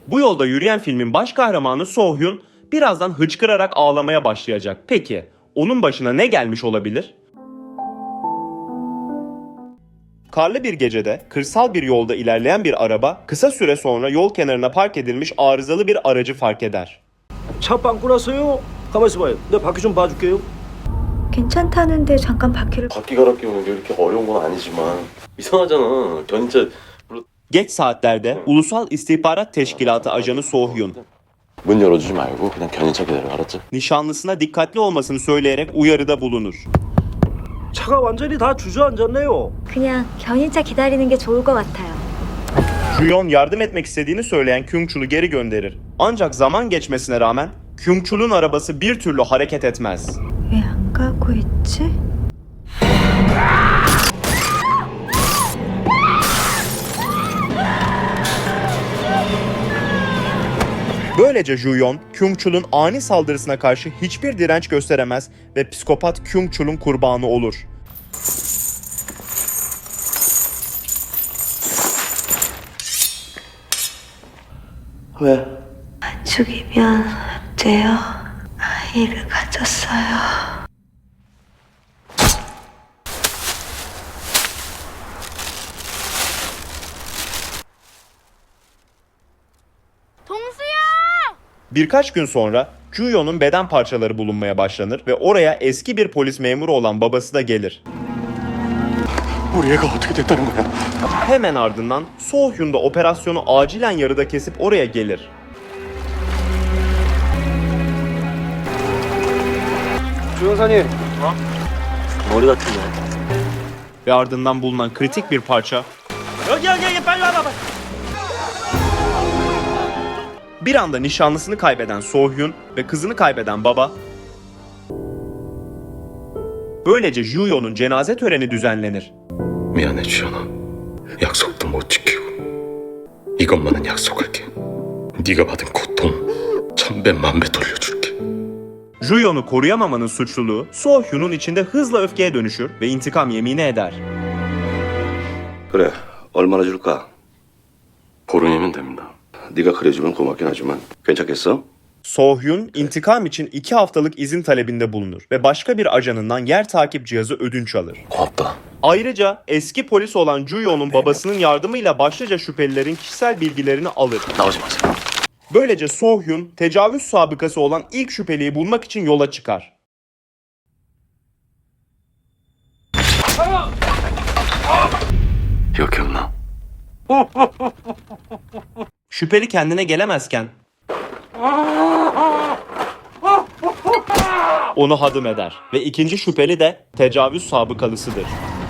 Bu yolda yürüyen filmin baş kahramanı So-hyun birazdan hıçkırarak ağlamaya başlayacak. Peki onun başına ne gelmiş olabilir? Karlı bir gecede kırsal bir yolda ilerleyen bir araba kısa süre sonra yol kenarına park edilmiş arızalı bir aracı fark eder. 차 빵꾸 났어요. 가만 있어봐요. 내 바퀴 좀 봐줄게요. 괜찮다는데 잠깐 바퀴를 바퀴 갈아 끼우는 게 이렇게 어려운 건 아니지만 이상하잖아. 견인차 Geç saatlerde Ulusal İstihbarat Teşkilatı ajanı So-hyun 문 열어주지 말고 그냥 견인차 기다려, 알았지? nişanlısına dikkatli olmasını söyleyerek uyarıda bulunur. 차가 완전히 다 주저앉았네요. 그냥 견인차 기다리는 게 좋을 것 같아요. Juyeon yardım etmek istediğini söyleyen Kyung-chul'u geri gönderir. Ancak zaman geçmesine rağmen Kyung-chul'un arabası bir türlü hareket etmez. 왜 안 가고 있지? Böylece Juyeon, Kyung-chul'un ani saldırısına karşı hiçbir direnç gösteremez ve psikopat Kyung-chul'un kurbanı olur. 왜? 죽이면 안 돼요. 아이를 가졌어요. Birkaç gün sonra Juyeon'un beden parçaları bulunmaya başlanır ve oraya eski bir polis memuru olan babası da gelir. 우리 애가 어떻게 됐다는 거야? Hemen ardından So-hyun da operasyonu acilen yarıda kesip oraya gelir. 조영사님. 머리 다쳤네. Ve ardından bulunan kritik bir parça 여기 빨리 와봐. bir anda nişanlısını kaybeden So-hyun ve kızını kaybeden baba. Böylece Juyeon'un cenaze töreni düzenlenir. 미안해 주연아. 약속도 못 지키고 이것만은 약속할게. 네가 받은 고통 1000배 만배 돌려줄게. Juyeon'u koruyamamanın suçluluğu So-hyun'un içinde hızla öfkeye dönüşür ve intikam yemini eder. 그래, 얼마나 줄까? 보름이면 됩니다. 네가 그래주면 고맙긴 하지만 괜찮겠어? So-hyun intikam için 2 haftalık izin talebinde bulunur ve başka bir ajanından yer takip cihazı ödünç alır. 고맙다. Ayrıca eski polis olan Juyeon'un babasının yardımıyla başlıca şüphelilerin kişisel bilgilerini alır. 나오지 마세요. Böylece So-hyun tecavüz sabıkası olan ilk şüpheliyi bulmak için yola çıkar. 이거 기억나? Şüpheli kendine gelemezken onu hadım eder ve ikinci şüpheli de tecavüz sabıkalısıdır.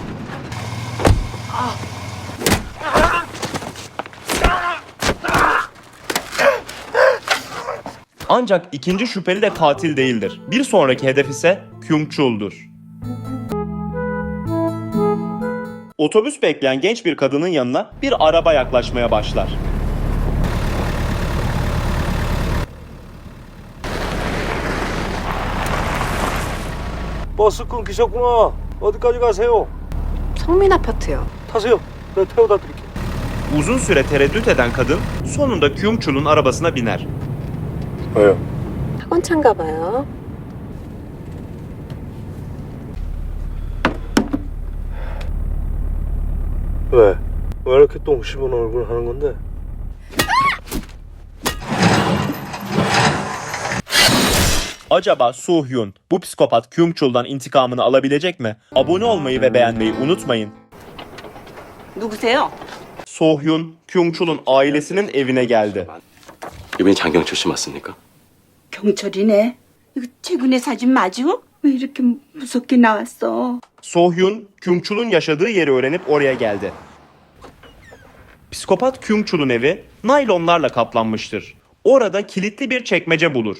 Ancak ikinci şüpheli de katil değildir. Bir sonraki hedef ise Kyung-chul'dur. Otobüs bekleyen genç bir kadının yanına bir araba yaklaşmaya başlar. 버스 끊기셨구나. 어디까지 가세요? 성민 아파트요. 타세요. 내가 태워다 드릴게. Uzun süre tereddüt eden kadın sonunda Kyung-chul'un arabasına biner. 왜요? 학원차인가 봐요. 왜? 왜 이렇게 똥 씹은 얼굴 하는 건데? Acaba So-hyun bu psikopat Kyung-chul'dan intikamını alabilecek mi? Abone olmayı ve beğenmeyi unutmayın. 누구세요? So-hyun, Kyung-chul'un ailesinin evine geldi. 이번이 장경철 씨 맞습니까? 경찰이네. 이거 최근에 사진 맞아? 왜 이렇게 무섭게 나왔어? So-hyun, Kyung-chul'un yaşadığı yeri öğrenip oraya geldi. Psikopat Kyung-chul'un evi naylonlarla kaplanmıştır. Orada kilitli bir çekmece bulur.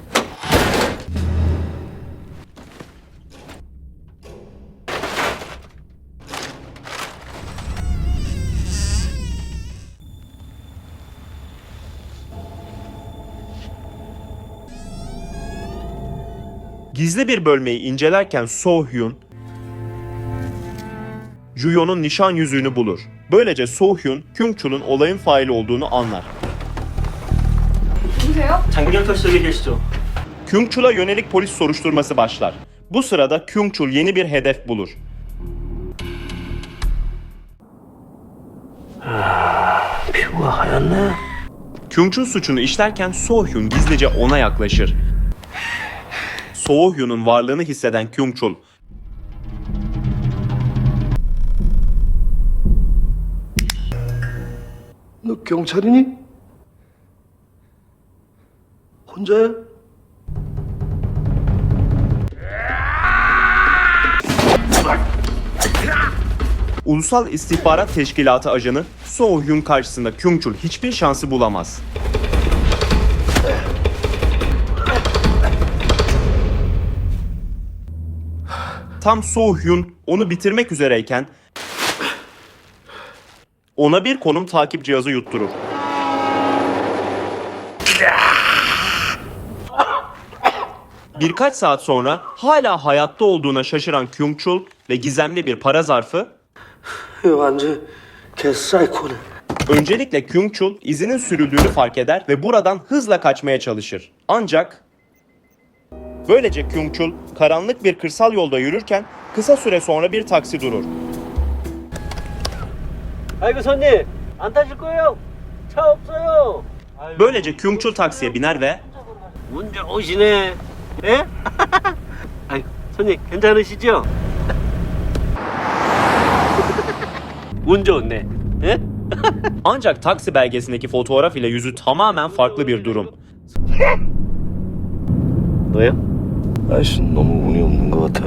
Gizli bir bölmeyi incelerken So-hyun, Juyeon'un nişan yüzüğünü bulur. Böylece So-hyun, Kyung-chul'un olayın faili olduğunu anlar. 누구세요? 장경철석에 계시죠? Kyung-chul'a yönelik polis soruşturması başlar. Bu sırada Kyung-chul yeni bir hedef bulur. 피부가 하얗네. Kyung-chul suçunu işlerken So-hyun gizlice ona yaklaşır. So-hyun'un varlığını hisseden Kyung-chul, 너 경찰이니? 혼자야? Ulusal İstihbarat Teşkilatı ajanı So-hyun karşısında Kyung-chul hiçbir şansı bulamaz. Tam So-hyun onu bitirmek üzereyken ona bir konum takip cihazı yutturur. Birkaç saat sonra hala hayatta olduğuna şaşıran Kyung-chul ve gizemli bir para zarfı 완전 개사이코네. öncelikle Kyung-chul izinin sürüldüğünü fark eder ve buradan hızla kaçmaya çalışır. Ancak böylece Kyung-chul karanlık bir kırsal yolda yürürken kısa süre sonra bir taksi durur. 아이고 손님, 안 타실 거예요? 차 없어요. Böylece Kyung-chul taksiye biner ve 운 좋으시네. 예? 아이, 손님 괜찮으시죠? 운 좋네. 예? ancak taksi belgesindeki fotoğraf ile yüzü tamamen farklı bir durum. 너요? 아이씨, 너무 운이 없는 것 같아.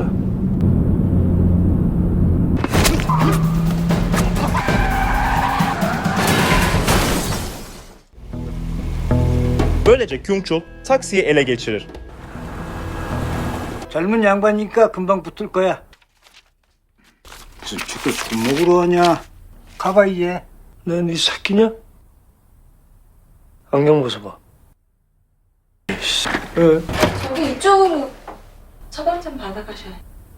Böylece Kyung-chul taksiyi ele geçirir. 젊은 양반이니까 금방 붙을 거야. 무슨 죽도 죽 먹으러 하냐? 가봐 이제. 넌네 새끼냐? 안경 벗어봐. 저기 이쪽으로 처방 좀 받아가셔야.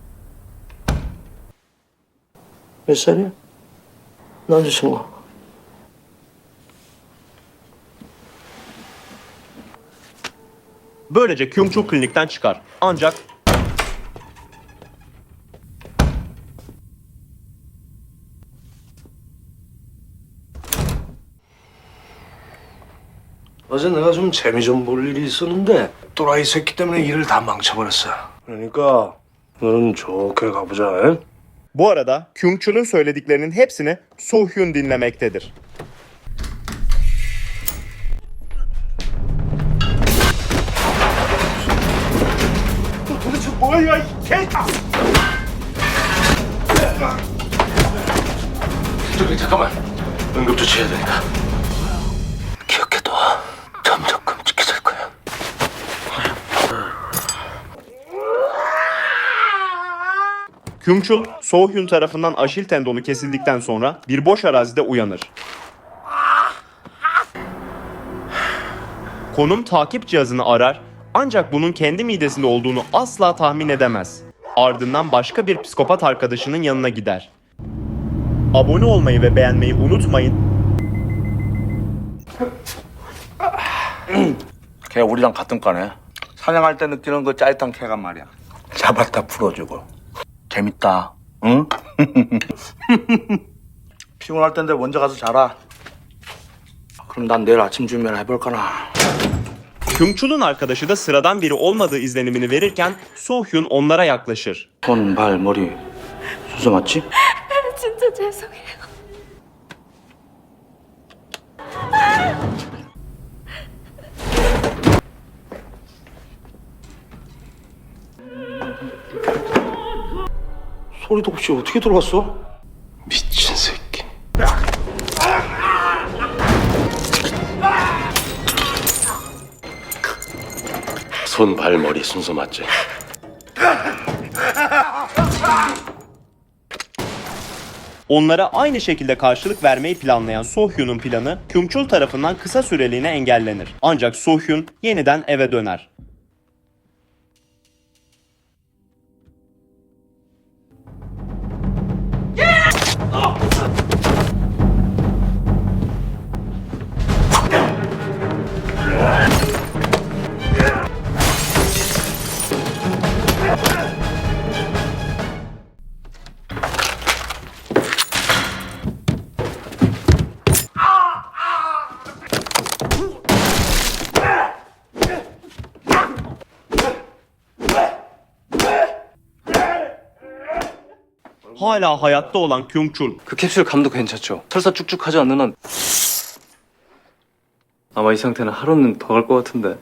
몇 살이야? 남자친구. Böylece Kyung-chul klinikten çıkar. Ancak 어제 내가 좀 재미 좀 볼 일이 있었는데 또라이 새끼 때문에 일을 다 망쳐버렸어. 그러니까 너는 좋게 가보자. 에? bu arada Kyung-chul'un söylediklerinin hepsini So-hyun dinlemektedir. 도대체 뭐야 이 개가! 저기 잠깐만. 응급조치해야 되니까. 기억해둬. 점점 끔찍해질 거야. Kyung-chul, So-hyun tarafından aşil tendonu kesildikten sonra bir boş arazide uyanır. Konum takip cihazını arar ancak bunun kendi midesinde olduğunu asla tahmin edemez. Ardından başka bir psikopat arkadaşının yanına gider. Abone olmayı ve beğenmeyi unutmayın. 걔 우리랑 같은 과네. 사냥할 때 느끼는 그 짜릿한 쾌감 말이야. 잡았다 풀어주고. 재밌다. 응? 피곤할 텐데 먼저 가서 자라. 그럼 난 내일 아침 준비를 해볼까나. Kyung-chul'un arkadaşı da sıradan biri olmadığı izlenimini verirken So-hyun onlara yaklaşır. 손, 발, 머리 순서 맞지? 진짜 죄송해요. 소리도 없이 어떻게 들어왔어? 미친 새끼. 손, 발, 머리 순서 맞지? Onlara aynı şekilde karşılık vermeyi planlayan So-hyun'un planı Kyung-chul tarafından kısa süreliğine engellenir. Ancak So-hyun yeniden eve döner. hala hayatta olan Kyung-chul 그 캡슐 감도 괜찮죠? 설사 쭉쭉하지 않는 한 아마 이 상태는 하루는 더 갈 것 같은데.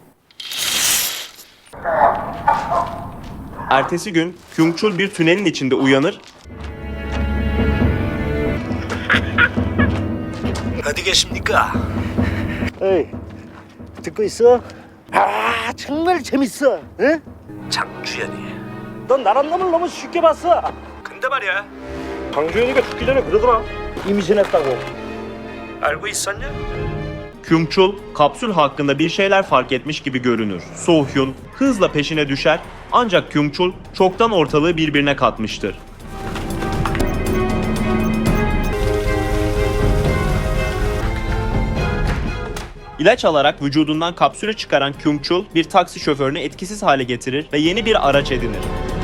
ertesi gün Kyung-chul bir tünelin içinde uyanır 어디 계십니까? 에이, 듣고 있어? 아, 정말 재밌어. 응? 장주연이. 넌 나란 놈을 너무 쉽게 봤어. 근데 말이야. 장주연이가 죽기 전에 그러더라. 임신했다고. 알고 있었냐? Kyung-chul kapsül hakkında bir şeyler fark etmiş gibi görünür. So-hyun hızla peşine düşer ancak Kyung-chul çoktan ortalığı birbirine katmıştır. İlaç alarak vücudundan kapsülü çıkaran Kyung-chul bir taksi şoförünü etkisiz hale getirir ve yeni bir araç edinir.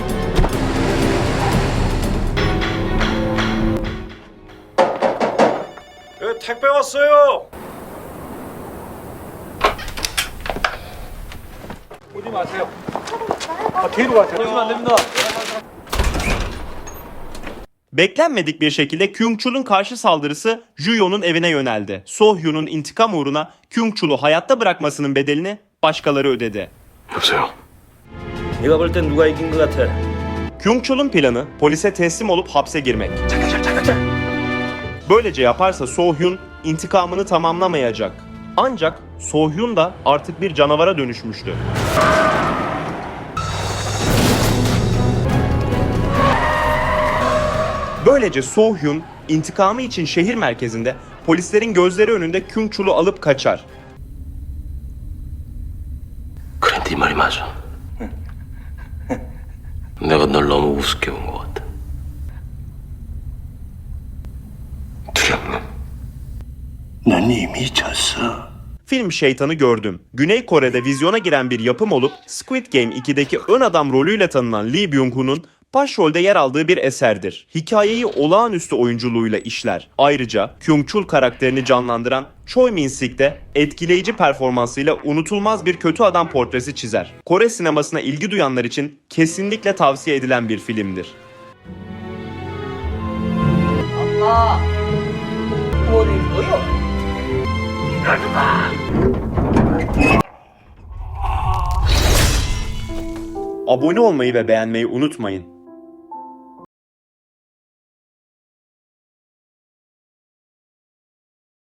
택배 왔어요. 오지 마세요. 뒤로 가세요. 오시면 안 됩니다. Beklenmedik bir şekilde Kyung-chul'un karşı saldırısı Juyo'nun evine yöneldi. So-hyun'un intikam uğruna Kyung-chul'u hayatta bırakmasının bedelini başkaları ödedi. 여보세요. 네가 볼 땐 누가 이긴 것 같아? Kyung-chul'un planı polise teslim olup hapse girmek. Böylece yaparsa So-hyun intikamını tamamlamayacak. Ancak So-hyun da artık bir canavara dönüşmüştü. Böylece So-hyun intikamı için şehir merkezinde polislerin gözleri önünde Kyung-chul'u alıp kaçar. 그래, 네 말이 맞아. 내가 널 너무 우습게 본 것 같아. 두렵네. 넌 이미 졌어. Film Şeytanı gördüm. Güney Kore'de vizyona giren bir yapım olup Squid Game 2'deki ön adam rolüyle tanınan Lee Byung-hun'un başrolde yer aldığı bir eserdir. Hikayeyi olağanüstü oyunculuğuyla işler. Ayrıca Kyung-chul karakterini canlandıran Choi Min-sik de etkileyici performansıyla unutulmaz bir kötü adam portresi çizer. Kore sinemasına ilgi duyanlar için kesinlikle tavsiye edilen bir filmdir. Abone olmayı ve beğenmeyi unutmayın.